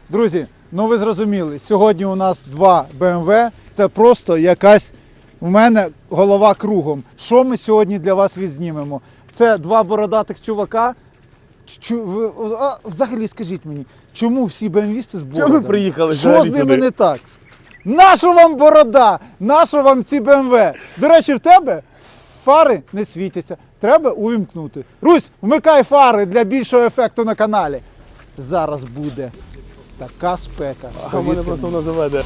Друзі, ну ви зрозуміли, сьогодні у нас два BMW, це просто якась, в мене голова кругом. Що ми сьогодні для вас відзнімемо? Це два бородатих чувака. Взагалі скажіть мені, чому всі BMW-сти з бородами? Чому ви приїхали Що взагалі з ними сюди? не так? Нащо вам борода? Нащо вам ці BMW? До речі, в тебе фари не світяться. Треба увімкнути. Русь, вмикай фари для більшого ефекту на каналі. Зараз буде така спека. А в мене просто воно заведе.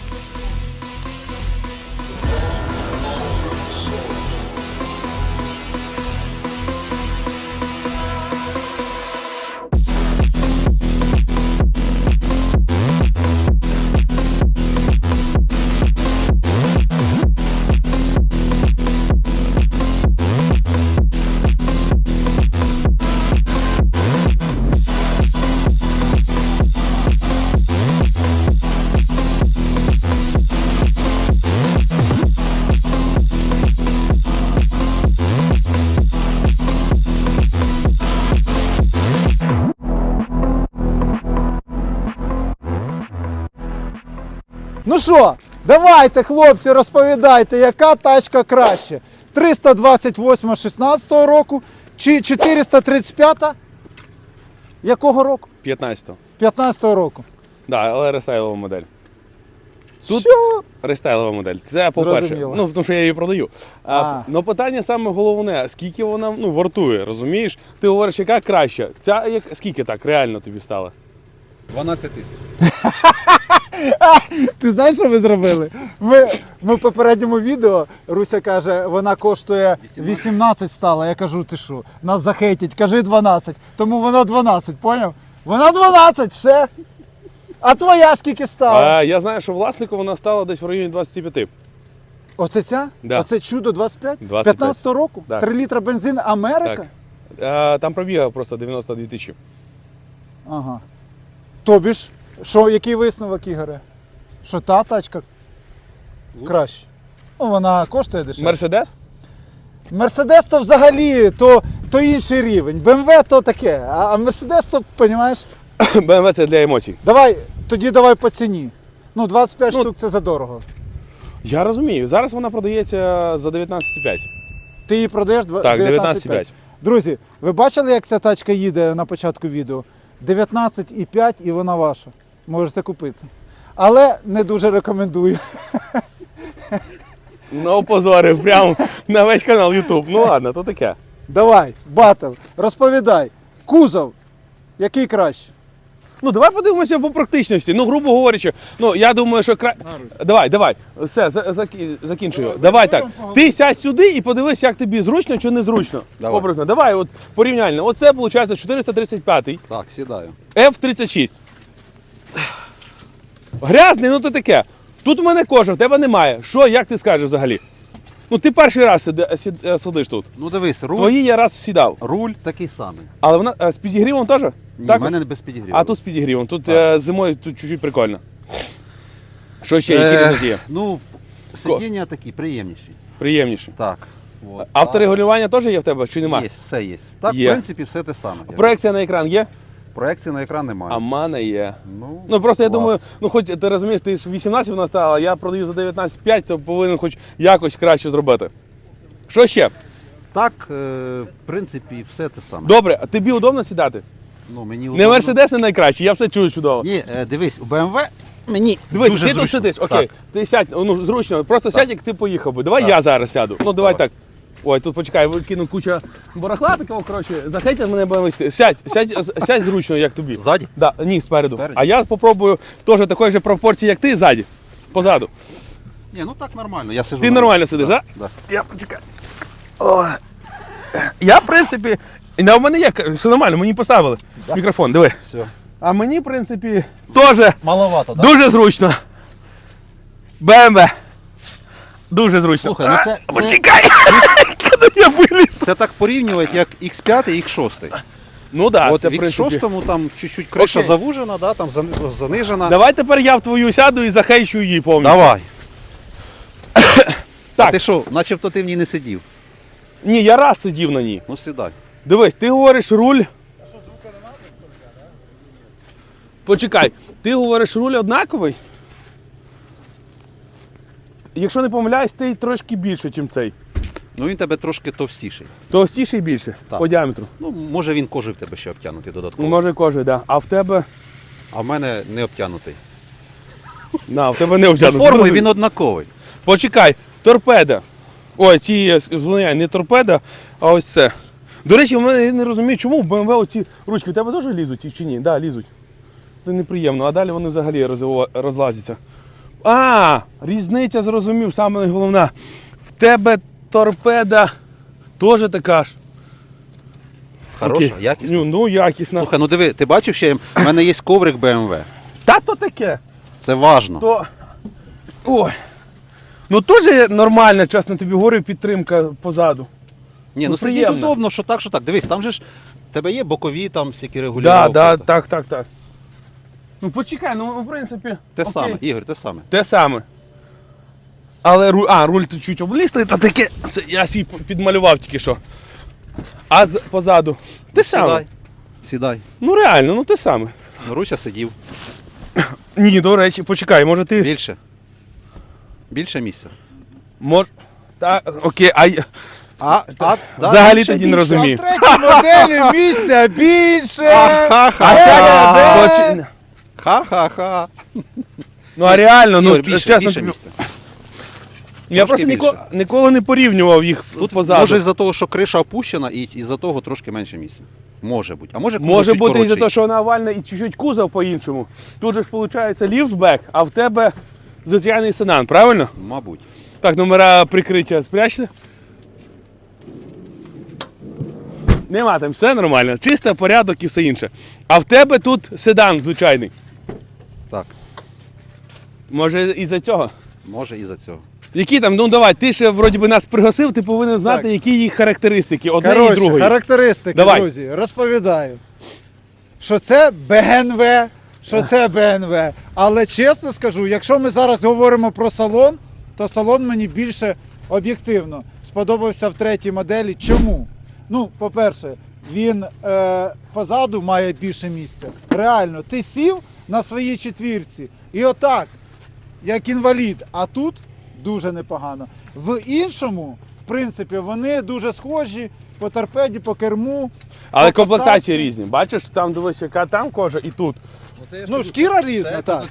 Ну що, давайте, хлопці, розповідайте, яка тачка краще? 328 16-го року чи 435 якого року? 15-го. 15-го року. Да, але рестайлова модель. Тут- Що? Рестайлова модель. Це по-перше. Зрозуміло. Ну, тому що я її продаю. Ну питання саме головне, скільки вона вартує, розумієш? Ти говориш, яка краща. Ця скільки так реально тобі стала? 12 тисяч. Ти знаєш, що ви зробили? Ми в попередньому відео, Руся каже, вона коштує 18 стала. Я кажу, ти що, нас захейтять, кажи 12. Тому вона 12, поняв? Вона 12, все. А твоя скільки стала? Я знаю, що власнику вона стала десь в районі 25. Оце ця? Да. Оце чудо 25? 25. 15-го року? Так. 3 літра бензин Америка? Так. Там пробігав просто 92 тисячі. Ага. Тобі ж, що, який висновок, Ігоре? Що та тачка краще? Ну, вона коштує дешевше. Мерседес? Мерседес то взагалі, то інший рівень. БМВ то таке, а Мерседес то, розумієш? BMW це для емоцій. Давай по ціні. Ну, 25 штук це задорого. Я розумію. Зараз вона продається за 19,5. Ти її продаєш Так, 19,5. Друзі, ви бачили, як ця тачка їде на початку відео? 19,5 і вона ваша. Можете купити. Але не дуже рекомендую. Ну, опозорив прямо на весь канал YouTube. Ну ладно, то таке. Давай, батл, розповідай. Кузов, який краще? Ну, давай подивимося по практичності. Ну, грубо говорячи, ну, я думаю, що Давай. Все, закінчую. Давай так. Ти сядь сюди і подивись, як тобі зручно чи незручно. Давай. Образно. Давай, от порівняльно. Оце, виходить, 435-й, Так, сідаю. F36. Грязний, ну то таке. Тут у мене кожа, в тебе немає. Що, як ти скажеш взагалі? Ну, ти перший раз сидиш тут. Ну дивись, Твої я раз сідав. руль такий самий. Але вона з підігрівом теж? Ні, Так? в мене не без підігріву. А тут з підігрівом. Тут Так. зимою тут чуть-чуть прикольно. Що ще, які різниці є? Ну, сидіння такі, приємніші. Приємніше. Так. От. Авторегулювання теж є в тебе чи нема? Є, все є. Так, Є. в принципі, все те саме. Проекція на екран є? Проекції на екран немає. А в мене є. Ну, Просто я клас. думаю, ну хоч ти розумієш, ти ж 18 вона стала, я продаю за 19,5, то повинен хоч якось краще зробити. Що ще? Так, в принципі, все те саме. Добре, а тобі удобно сідати? Ну, мені Не удобно. Мерседес не найкращий, я все чую чудово. Ні, дивись, у BMW мені Дивись, дуже ти зручно. тут сидиш, окей, Так. ти сядь, ну зручно, просто сядь, як ти поїхав би. Давай я зараз сяду. Ну давай так. Ой, тут почекай, викину куча барахла такого, коротше, захейтять мене будемо вести. Сядь зручно, як тобі. Ззаді? Да, ні, спереду. Спереді? А я спробую теж такої ж пропорції, як ти, ззаді. Позаду. Ні, ну так нормально, я сиджу. Ти нормально сидиш, так? Да. Я почекай. О. Я, в принципі, в мене є, все нормально, мені поставили мікрофон, диви. Все. А мені, в принципі, теж Маловато, так? дуже зручно. БМВ. Дуже зручно. Слухай, ну це- Почекай! Коли я виліз. Це так порівнювати, як X5 і X6. Ну так, От це, в в принципі. X6 там чуть-чуть криша Окей. завужена, да, там занижена. Давай тепер я в твою сяду і захейчу її повністю. Давай. Так. А ти що, начебто ти в ній не сидів? Ні, я раз сидів на ній. Ну сідай. Дивись, ти говориш руль. Почекай, ти говориш, руль однаковий? Якщо не помиляюсь, ти трошки більше, ніж цей. Ну він тебе трошки товстіший. Товстіший більше Так. по діаметру. Ну, може він кожи в тебе ще обтягнутий додатково. Може кожен, да. А в тебе. А в мене не обтягнутий. В тебе не За обтягнуто. формою він однаковий. Почекай, торпеда. Ой, не торпеда, а ось це. До речі, в мене я не розумію, чому в BMW оці ручки в тебе теж лізуть чи ні? Так, да, лізуть. Це неприємно, а далі вони взагалі розлазяться. Різниця, зрозумів, саме головне. В тебе торпеда теж така ж. Хороша, Окей. якісна. Ну, якісна. Слухай, ну диви, ти бачив ще, в мене є коврик BMW. Та то таке. Це важно. То... Ой. Ну теж нормальна, чесно тобі говорю, підтримка позаду. Ні, ну сидіть приємно. удобно, що так, що так. Дивись, там же ж в тебе є бокові там всякі регулювання. Так. Ну почекай, ну в принципі. Те окей. саме, Ігор, те саме. Те саме. Але руль тут чуть облізли, то таке. Це я свій підмалював тільки що. А позаду. Те саме. Сідай. Сідай. Ну реально, ну те саме. Ну, Руся сидів. Ні, до речі, почекай, може ти. Більше. Більше місця. Окей, Да, взагалі більше, тоді не більше. розумію. В третій моделі місця більше. А сядь. Ха-ха-ха. Ну а реально, ну Ігор, більше, чесно більше тобі. місця. Я просто більше. ніколи не порівнював їх Тут позаду. може із-за того, що криша опущена, і із-за того трошки менше місця. Може бути. А може кузов Може чуть бути із-за коротший. того, що вона овальна і чуть-чуть кузов по-іншому. Тут же ж виходить ліфтбек, а в тебе звичайний седан, правильно? Мабуть. Так, номера прикриття спрячте. Нема там, все нормально. Чисто, порядок і все інше. А в тебе тут седан звичайний. Так. Може із-за цього? Може із-за цього. Які там, ну давай, ти ще вроді би нас пригласив, ти повинен знати, Так. які їх характеристики, одне і Коротше, другої. характеристики, Давай. друзі, розповідаю. Що це БНВ, що це БНВ. Але чесно скажу, якщо ми зараз говоримо про салон, то салон мені більше об'єктивно сподобався в третій моделі. Чому? Ну, по-перше, він позаду має більше місця. Реально, ти сів на своїй четвірці і отак, як інвалід, а тут дуже непогано. В іншому, в принципі, вони дуже схожі по торпеді, по керму. Але по комплектації посадці. різні. Бачиш, там дивись, яка там кожа і тут. Ну, шкіра різна, так.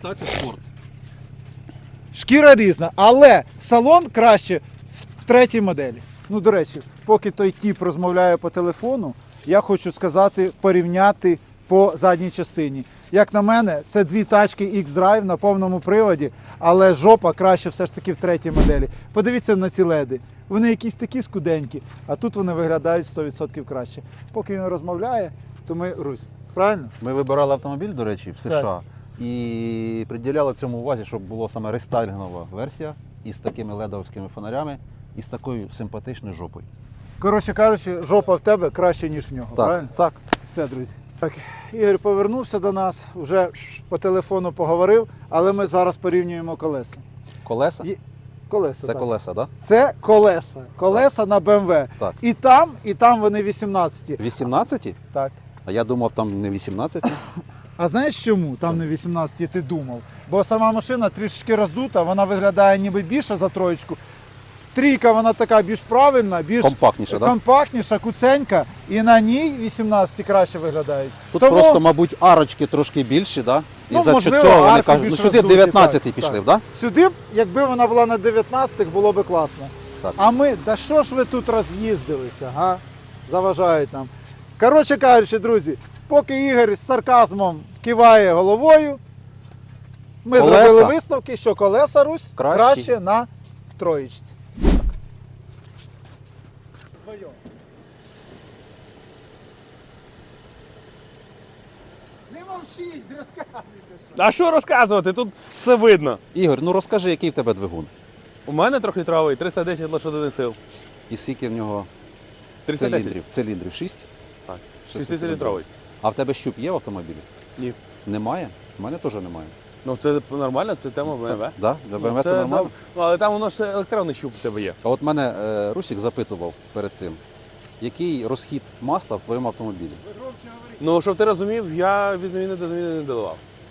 Шкіра різна, але салон краще в третій моделі. Ну, до речі, поки той тіп розмовляє по телефону, я хочу сказати, порівняти по задній частині. Як на мене, це дві тачки X-Drive на повному приводі, але жопа краще все ж таки в третій моделі. Подивіться на ці леди. Вони якісь такі скуденькі, а тут вони виглядають 100% краще. Поки він розмовляє, то ми Русь. Правильно? Ми вибирали автомобіль, до речі, в США. І приділяли цьому увазі, щоб була саме рестайлінгова версія із такими ледовськими фонарями і з такою симпатичною жопою. Коротше кажучи, жопа в тебе краще, ніж в нього. Правильно? Так. Все, друзі. Так, Ігор повернувся до нас, вже по телефону поговорив, але ми зараз порівнюємо колеса. Колеса? Колеса, Це так. колеса, так? Да? Це колеса. Колеса на BMW. Так. І там вони 18. 18? Так. А я думав, там не 18. А знаєш чому там не 18, ти думав? Бо сама машина трішки роздута, вона виглядає ніби більше за троєчку. Трійка, вона така більш правильна, більш Компактніша, так? компактніша, куценька, і на ній 18 краще виглядають. Тут просто, мабуть, арочки трошки більші, да? І Ну, за можливо, цього вони арки кажуть, ну більш сюди роздуті, 19 так, пішли, так. так? Сюди б, якби вона була на 19, було б класно. Так. А ми, да що ж ви тут роз'їздилися, га? Заважають нам. Коротше кажучи, друзі, поки Ігор з сарказмом киває головою, ми Колеса. зробили висновки, що колеса Русь Кращі. краще на троєчці. Не мовчіть, розказуйте. А що розказувати? Тут все видно. Ігор, ну розкажи, який в тебе двигун? У мене трьохлітровий, 310 лошадиних сил. І скільки в нього 310. циліндрів? Циліндрів 6? Так. Шестициліндровий. 6-літровий. А в тебе щуп є в автомобілі? Ні. Немає? У мене теж немає. Ну це нормально, це тема BMW. Да? Для BMW це нормально? доб- Ну, але там воно ж електронний щуп у тебе є. А от мене Русік запитував перед цим, який розхід масла в твоєму автомобілі? Ну, щоб ти розумів, я від заміни до заміни не додавав.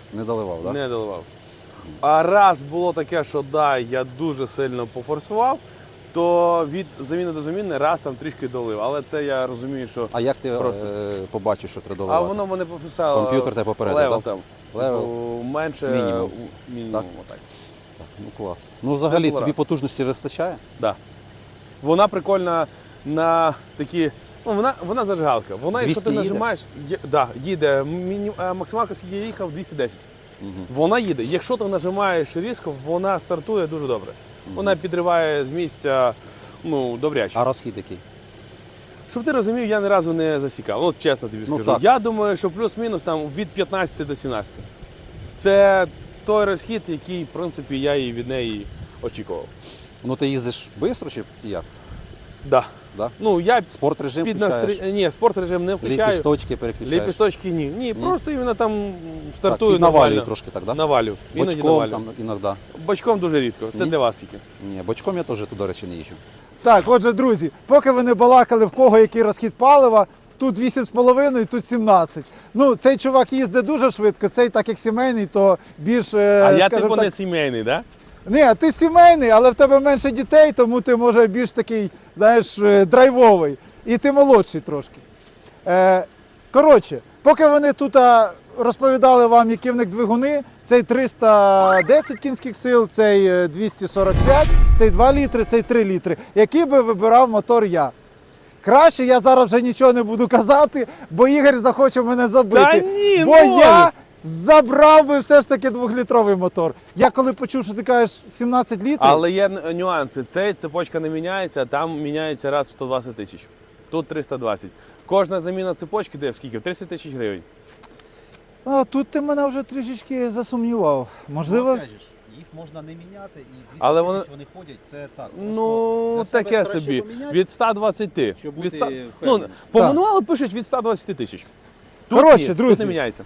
Не доливав, так? Не доливав. А раз було таке, що да, я дуже сильно пофорсував, то від заміни до заміни раз там трішки долив. Але це я розумію, що. А як ти Просто. побачив, що треба А доливати? воно мене прописало. Комп'ютер тебе попередив, левел так? там. Левел? Типу, менше Мінімум. мінімум. Так. Отак. Так, ну клас. Ну взагалі було тобі раз. потужності вистачає? Да. Вона прикольна на такі. Ну, вона зажигалка. Вона, якщо ти 200 їде? нажимаєш, їде. Максималка, скільки я їхав, 210. Угу. Вона їде. Якщо ти нажимаєш різко, вона стартує дуже добре. Вона підриває з місця добряче. А розхід який? Щоб ти розумів, я ні разу не засікав. Ну, чесно тобі Ну, скажу. так. Я думаю, що плюс-мінус там від 15 до 17. Це той розхід, який, в принципі, я і від неї очікував. Ну ти їздиш швидко чи як? Да. Да? Ну, я Спорт режим під включаєш? Ні, спорт режим не включаю. Ліпісточки переключаєш? Ліпісточки ні. Ні, просто іменно там Так, стартую і навалює нормально. трошки так, да? Навалю. Іноді Бочком навалю. там іноді. Бочком дуже рідко. Це Ні? для вас тільки. Ні, бочком я теж, до речі, не їжджу. Так, отже, друзі, поки ви не балакали, в кого який розхід палива, тут 8,5, тут 17. Ну, цей чувак їздить дуже швидко, цей так як сімейний, то більш, А я скажімо типу так, не сімейний, так? Ні, ти сімейний, але в тебе менше дітей, тому ти може більш такий, знаєш, драйвовий. І ти молодший трошки. Коротше, поки вони тут розповідали вам, які в них двигуни, цей 310 кінських сил, цей 245, цей 2 літри, цей 3 літри. Який би вибирав мотор я? Краще я зараз вже нічого не буду казати, бо Ігор захоче мене забити. Та ні, бо ну! я забрав би все ж таки 2-літровий мотор. Я коли почув, що ти кажеш 17 літрів, Але є нюанси. Цей цепочка не міняється, там міняється раз в 120 тисяч. Тут 320. Кожна заміна цепочки де в скільки? В 30 тисяч гривень. тут ти мене вже трішечки засумнівав. Можливо, їх можна не міняти, і 200 Але вони- вони ходять, це так. Ну, таке собі. Від 120. Щоб Від бути 100 впевненим. по Так. мануалу пишуть від 120 тисяч. Тут Коротше, ні, друзі. тут не міняється.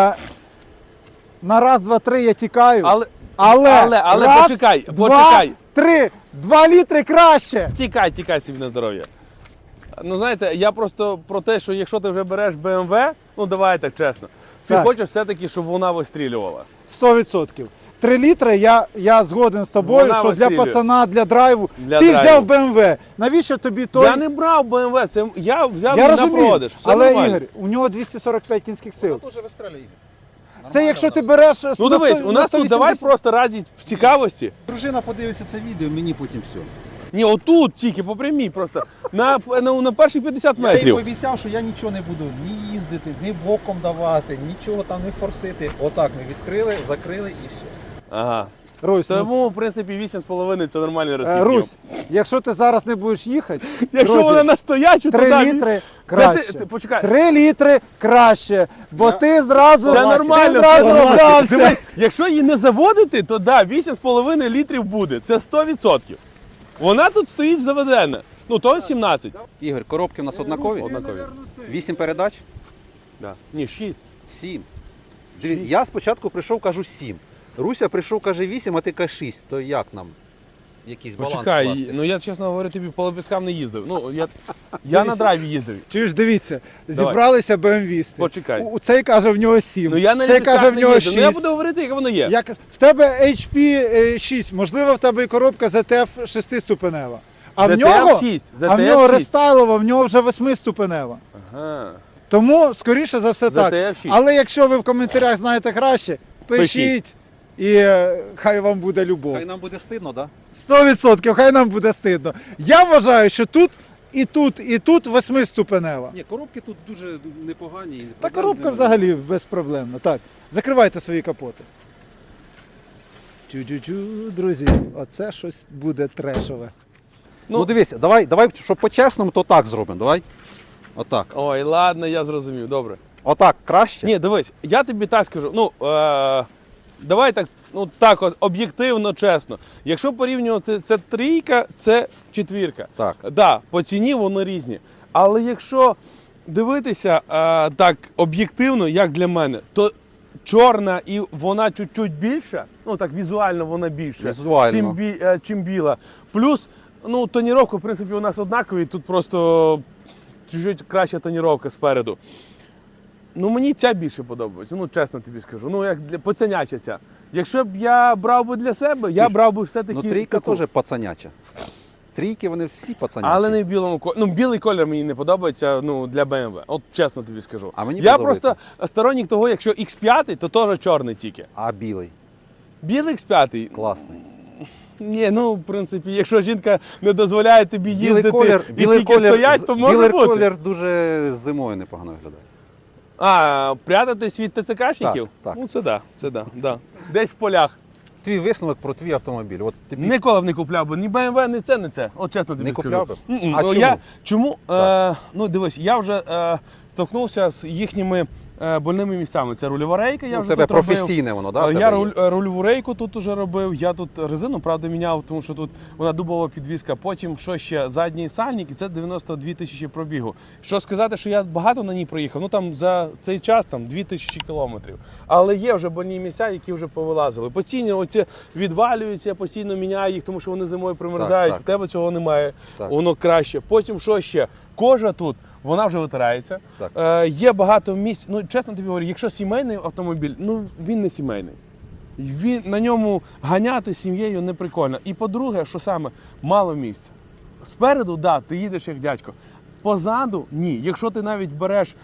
на раз, два, три я тікаю. Але Але раз, почекай, два, почекай. 3, 2 літри краще. Тікай собі на здоров'я. Ну знаєте, я просто про те, що якщо ти вже береш BMW, ну давай так чесно, ти Так. хочеш все-таки, щоб вона вистрілювала. 100%. 3 літри я згоден з тобою, Вона що для вистрілює. пацана, для драйву. Для ти драйву. взяв BMW. Навіщо тобі той? Я не брав BMW, це я взяв Я на розумію, продаж. Все але нормально. Ігор, у нього 245 кінських сил. Дуже вистрелює. Це якщо ти береш Ну дивись, у нас тут давай просто раді в цікавості. Дружина подивиться це відео, мені потім все. Ні, отут тільки по прямій просто. На перші 50 Я їй метрів. пообіцяв, що я нічого не буду ні їздити, ні боком давати, нічого там не форсити. Отак ми відкрили, закрили і все. Ага. Русь, Тому, в принципі, 8,5 це нормальний розхід. Русь, якщо ти зараз не будеш їхати, Якщо друзі, вона настоячу, то 3 да, літри краще. почекай. 3 літри краще, бо ти зразу, Це нормально. ти зразу Согласен. здався. Дивись, якщо її не заводити, то да, 8,5 літрів буде. Це 100%. Вона тут стоїть заведена. Ну, то 17. Ігор, коробки в нас однакові? Однакові. 8 передач? Да. Ні, 6. 7. Я спочатку прийшов, кажу 7. Руся прийшов, каже 8, а ти кажеш 6. То як нам? Якийсь баланс Почекай, скласти? ну я, чесно говорю, тобі по лепісткам не їздив. Ну, я на драйві їздив. Чуєш, дивіться, зібралися БМВісти. Почекай. Цей каже в нього 7, Ну я на цей лепістках каже в не нього їздив. 6. Ну я буду говорити, як воно є. В тебе HP 6, можливо, в тебе і коробка ZTF 6-ступенева. А в ZTF нього, 6, а в нього 6. рестайлова, в нього вже 8-ступенева. Ага. Тому, скоріше за все, так. ZTF 6. Але якщо ви в коментарях знаєте краще, пишіть. І хай вам буде любов. Хай нам буде стидно, так? 100%, хай нам буде стидно. Я вважаю, що тут і тут, і тут 8-ступенева. Ні, коробки тут дуже непогані. Та коробка взагалі безпроблемна. Так, закривайте свої капоти. Чу-чу-чу, друзі, оце щось буде трешове. Ну дивися, давай, щоб по-чесному, то так зробимо. Давай. Отак. Ой, ладно, я зрозумів, добре. Отак краще? Ні, дивись, я тобі так скажу. Ну, давай так, ну так от, об'єктивно, чесно. Якщо порівнювати це трійка, це четвірка. Так. Да, по ціні вони різні. Але якщо дивитися так об'єктивно, як для мене, то чорна і вона чуть-чуть більша, ну так візуально вона більша, Візуально. чим біла. Плюс, ну, тоніровка, в принципі, у нас однакові, тут просто чуть краща тоніровка спереду. Ну мені ця більше подобається, ну чесно тобі скажу. Ну як для пацаняча ця. Якщо б я брав би для себе, я брав би все-таки. Ну, трійка таку. теж пацаняча. Трійки вони всі пацанячі. Але не в білому кольорі. Ну, білий колір мені не подобається ну, для BMW. От чесно тобі скажу. А мені я подобається. просто сторонник того, якщо X5, то теж чорний тільки. А білий. Білий X5. Класний. Ні, ну в принципі, якщо жінка не дозволяє тобі їздити і білий тільки стоять, то може білий бути. колір дуже зимою непогано виглядає. А, прятатись від ТЦКшників? Так. Ну це да, це да, да. Десь в полях. Твій висновок про твій автомобіль. От тобі Ніколи б не купляв би ні BMW, ні це, ні це. От чесно тобі Не скажу. купляв би? М-м. А Ну, чому? Чому? Ну дивись, я вже стикнувся з їхніми больними місцями. Це рульова рейка, я у вже тебе тут робив. професійне воно, да? в Я тебе є? рульову рейку тут уже робив, я тут резину, правда, міняв, тому що тут вона дубова підвізка. Потім, що ще, задній сальник, і це 92 тисячі пробігу. Що сказати, що я багато на ній проїхав, ну там за цей час там 2000 кілометрів. Але є вже больні місця, які вже повилазили. Постійно оці відвалюються, я постійно міняю їх, тому що вони зимою примерзають. Так. У тебе цього немає, Так. воно краще. Потім, що ще, кожа тут, вона вже витирається. Так. Є багато місць. Ну, чесно тобі говорю, якщо сімейний автомобіль, ну він не сімейний. На ньому ганяти з сім'єю не прикольно. І по-друге, що саме, мало місця. Спереду, да, ти їдеш як дядько. Позаду ні. Якщо ти навіть береш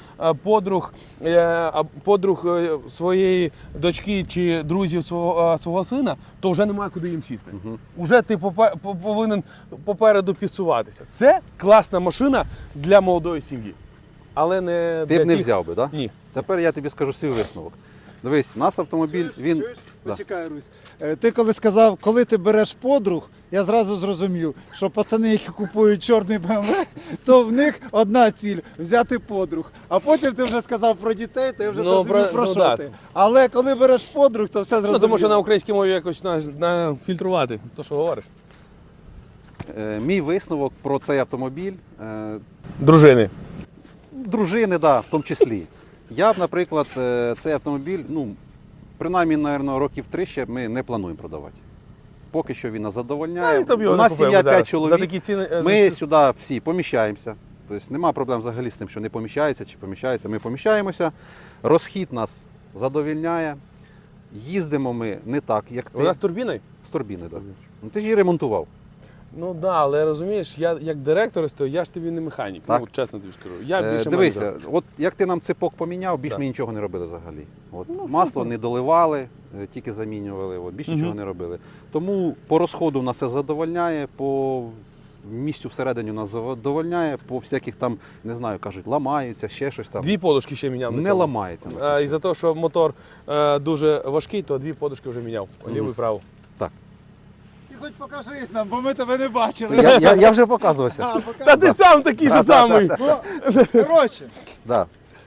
подруг своєї дочки чи друзів свого сина, то вже немає куди їм сісти. Уже ти повинен попереду підсуватися. Це класна машина для молодої сім'ї. Але не Ти для б не тих- взяв би, так? Да? Ні. Тепер я тобі скажу свій висновок. Дивись, у нас автомобіль, він. Да. Почекай, Русь. Ти коли сказав, коли ти береш подруг, я зразу зрозумів, що пацани, які купують чорний BMW, то в них одна ціль взяти подруг. А потім ти вже сказав про дітей, ти вже Ну, зрозумів про ну, що да. ти. Але коли береш подруг, то все Ну, зрозуміло. тому що на українській мові якось фільтрувати, то що говориш. Мій висновок про цей автомобіль. Дружини. Дружини, да, в тому числі. Я б, наприклад, цей автомобіль, ну, принаймні, мабуть, років 3 ще ми не плануємо продавати. Поки що він нас задовольняє. Хто б його У не нас купив сім'я зараз? 5 чоловік. За такі ціни, Ми сюди всі поміщаємося. Тобто нема проблем взагалі з тим, що не поміщається чи поміщається. Ми поміщаємося. Розхід нас задовольняє. Їздимо ми не так, як ти. Вона з турбіною? З турбіни, так. Ну, ти ж її ремонтував. Ну так, да, але розумієш, я як директор стою, я ж тобі не механік. Так. Ну, чесно тобі скажу. Я більше Дивися, менеджер. от як ти нам ципок поміняв, більш Так. ми нічого не робили взагалі. От, масло не доливали, тільки замінювали, от, більш нічого не робили. Тому по розходу нас це задовольняє, по місцю всередині нас задовольняє, по всяких там, не знаю, кажуть, ламаються, ще щось там. 2 подушки ще міняв. на Не цьому. ламається. І за те, що мотор дуже важкий, то 2 подушки вже міняв. Ліву і праву. Так. Ти хоч покажись нам, бо ми тебе не бачили. Я вже показувався. А, покажи. Та ти сам такий же самий. Ну, коротше, Да.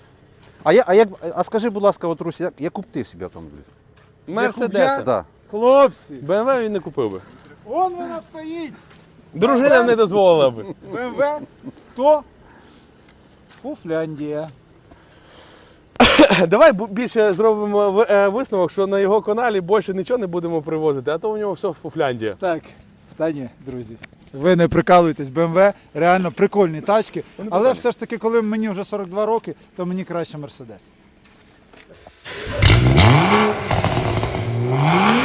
А скажи, будь ласка, от, Русь, яку б ти собі автомобіль? Мерседеса. Да. хлопці, БМВ він не купив би. вон вона стоїть. Дружина не дозволила би. БМВ, то Фуфляндія. Давай більше зробимо висновок, що на його каналі більше нічого не будемо привозити, а то у нього все Фуфляндія. Так, та ні, друзі. Ви не прикалуєтесь, BMW, реально прикольні тачки. Але все ж таки, коли мені вже 42 роки, то мені краще Мерседес.